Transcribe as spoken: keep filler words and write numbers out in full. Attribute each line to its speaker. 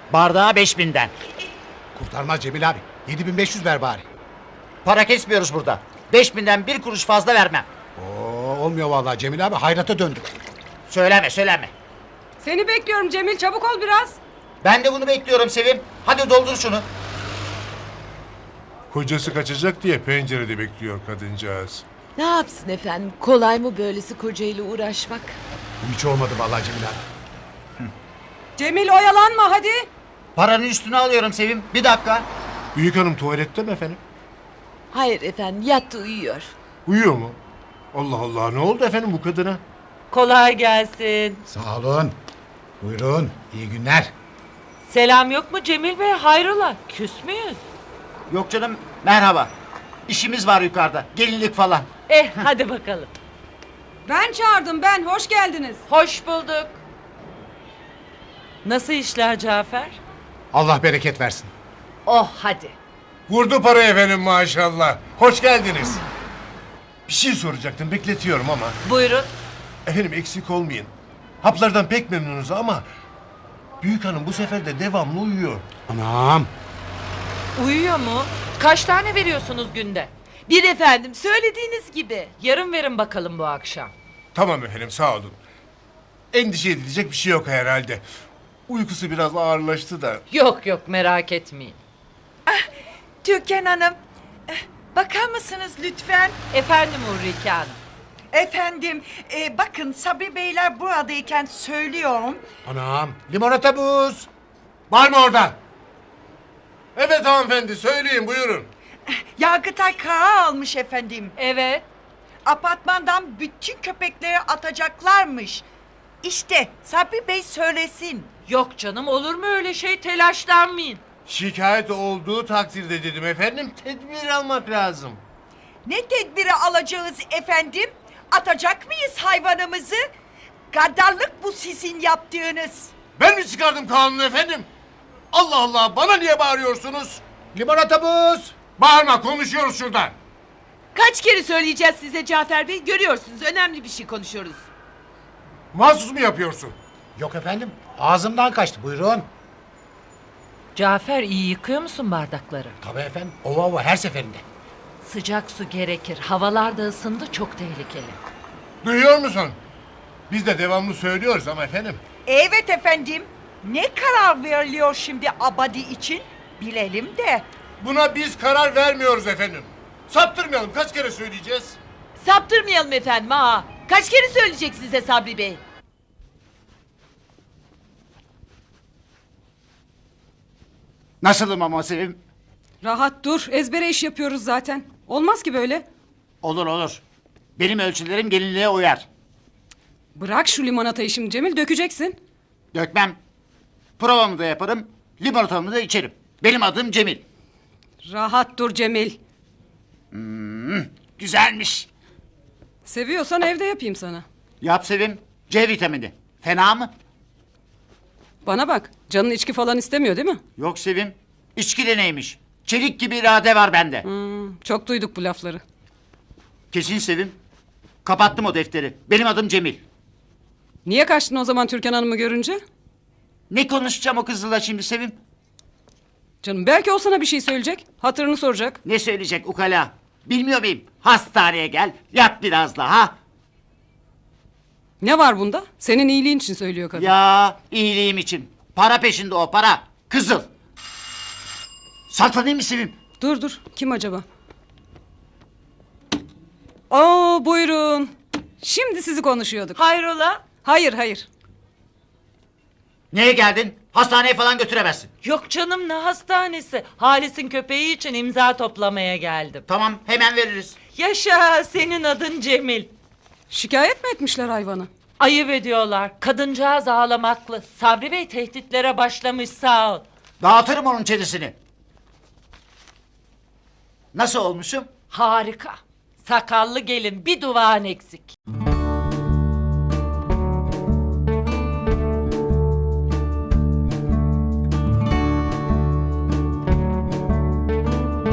Speaker 1: Bardağa beş binden.
Speaker 2: Kurtarmaz Cemil abi. yedi bin beş yüz ver bari.
Speaker 1: Para kesmiyoruz burada. Beş binden bir kuruş fazla vermem.
Speaker 2: Oo, olmuyor vallahi Cemil abi. Hayrata döndük.
Speaker 1: Söyleme söyleme.
Speaker 3: Seni bekliyorum Cemil, çabuk ol biraz.
Speaker 1: Ben de bunu bekliyorum Sevim. Hadi doldur şunu.
Speaker 4: Kocası kaçacak diye pencerede bekliyor kadıncağız.
Speaker 5: Ne yapsın efendim? Kolay mı böylesi kocayla uğraşmak?
Speaker 2: Bu hiç olmadı vallahi Cemil abi.
Speaker 3: Cemil oyalanma hadi.
Speaker 1: Paranın üstüne alıyorum Sevim. Bir dakika.
Speaker 4: Büyük hanım tuvalette mi efendim?
Speaker 5: Hayır efendim, yattı uyuyor.
Speaker 4: Uyuyor mu? Allah Allah, ne oldu efendim bu kadına?
Speaker 6: Kolay gelsin.
Speaker 2: Sağ olun. Buyurun. İyi günler.
Speaker 6: Selam yok mu Cemil Bey? Hayrola? Küs müyüz?
Speaker 1: Yok canım merhaba. İşimiz var yukarıda. Gelinlik falan.
Speaker 6: Eh hadi bakalım.
Speaker 3: Ben çağırdım ben, hoş geldiniz.
Speaker 6: Hoş bulduk. Nasıl işler Cafer?
Speaker 2: Allah bereket versin.
Speaker 6: Oh hadi.
Speaker 4: Vurdu parayı efendim maşallah. Hoş geldiniz. Bir şey soracaktım, bekletiyorum ama.
Speaker 6: Buyurun.
Speaker 4: Efendim eksik olmayın. Haplardan pek memnunuz ama... Büyük hanım bu sefer de devamlı uyuyor.
Speaker 2: Anam.
Speaker 6: Uyuyor mu? Kaç tane veriyorsunuz günde?
Speaker 5: Bir efendim, söylediğiniz gibi.
Speaker 6: Yarın verin bakalım bu akşam.
Speaker 4: Tamam efendim, sağ olun. Endişe edilecek bir şey yok herhalde. Uykusu biraz ağırlaştı da.
Speaker 6: Yok yok merak etmeyin.
Speaker 7: Türkan Hanım, eh, bakar mısınız lütfen?
Speaker 6: Efendim Ulrike Hanım.
Speaker 7: Efendim, e, bakın Sabri Beyler buradayken söylüyorum.
Speaker 2: Anam. Limonata buz.
Speaker 4: Var mı orada? Evet hanımefendi, söyleyin buyurun.
Speaker 7: Yargıtay karar almış efendim.
Speaker 6: Evet.
Speaker 7: Apartmandan bütün köpekleri atacaklarmış. İşte Sabri Bey söylesin.
Speaker 6: Yok canım olur mu öyle şey, telaşlanmayın.
Speaker 4: Şikayet olduğu takdirde dedim efendim, tedbir almak lazım.
Speaker 7: Ne tedbiri alacağız efendim? Atacak mıyız hayvanımızı? Gaddarlık bu sizin yaptığınız.
Speaker 4: Ben mi çıkardım kanunu efendim? Allah Allah, bana niye bağırıyorsunuz?
Speaker 2: Limonata buz.
Speaker 4: Bağırma, konuşuyoruz şurada.
Speaker 5: Kaç kere söyleyeceğiz size Cafer Bey? Görüyorsunuz, önemli bir şey konuşuyoruz.
Speaker 4: Mahsus mu yapıyorsun?
Speaker 2: Yok efendim. Ağzımdan kaçtı. Buyurun.
Speaker 6: Cafer iyi yıkıyor musun bardakları?
Speaker 2: Tabii efendim. Ova ova her seferinde.
Speaker 6: Sıcak su gerekir. Havalar da ısındı, çok tehlikeli.
Speaker 4: Duyuyor musun? Biz de devamlı söylüyoruz ama efendim.
Speaker 7: Evet efendim. Ne karar veriliyor şimdi Abadi için? Bilelim de.
Speaker 4: Buna biz karar vermiyoruz efendim. Saptırmayalım, kaç kere söyleyeceğiz?
Speaker 5: Saptırmayalım efendim ha. Kaç kere söyleyecek size Sabri Bey?
Speaker 1: Nasılım ama Sevim?
Speaker 3: Rahat dur, ezbere iş yapıyoruz zaten. Olmaz ki böyle.
Speaker 1: Olur olur. Benim ölçülerim gelinliğe uyar.
Speaker 3: Bırak şu limonatayı şimdi Cemil, dökeceksin.
Speaker 1: Dökmem. Provamı da yaparım. Limonatamı da içerim. Benim adım Cemil.
Speaker 3: Rahat dur Cemil.
Speaker 1: Güzelmiş.
Speaker 3: Seviyorsan evde yapayım sana.
Speaker 1: Yap Sevim. C vitamini. Fena mı?
Speaker 3: Bana bak, canın içki falan istemiyor değil mi?
Speaker 1: Yok Sevim. İçki de neymiş? Çelik gibi irade var bende.
Speaker 3: Hmm, çok duyduk bu lafları.
Speaker 1: Kesin Sevim. Kapattım o defteri. Benim adım Cemil.
Speaker 3: Niye kaçtın o zaman Türkan Hanım'ı görünce?
Speaker 1: Ne konuşacağım o kızla şimdi Sevim?
Speaker 3: Canım belki o sana bir şey söyleyecek. Hatırını soracak.
Speaker 1: Ne söyleyecek ukala? Bilmiyor muyum? Hastaneye gel. Yat biraz daha.
Speaker 3: Ne var bunda? Senin iyiliğin için söylüyor kadın.
Speaker 1: Ya iyiliğim için. Para peşinde o para. Kızıl. Saklanayım mı Sevim?
Speaker 3: Dur dur. Kim acaba? Oo buyurun. Şimdi sizi konuşuyorduk.
Speaker 6: Hayrola?
Speaker 3: Hayır hayır.
Speaker 1: Niye geldin? Hastaneye falan götüremezsin.
Speaker 6: Yok canım ne hastanesi. Halis'in köpeği için imza toplamaya geldim.
Speaker 1: Tamam hemen veririz.
Speaker 6: Yaşa, senin adın Cemil.
Speaker 3: Şikayet mi etmişler hayvanı?
Speaker 6: Ayıp ediyorlar. Kadıncağız ağlamaklı. Sabri Bey tehditlere başlamış, sağ ol.
Speaker 1: Dağıtırım onun çenesini. Nasıl olmuşum?
Speaker 6: Harika. Sakallı gelin, bir duvağın eksik.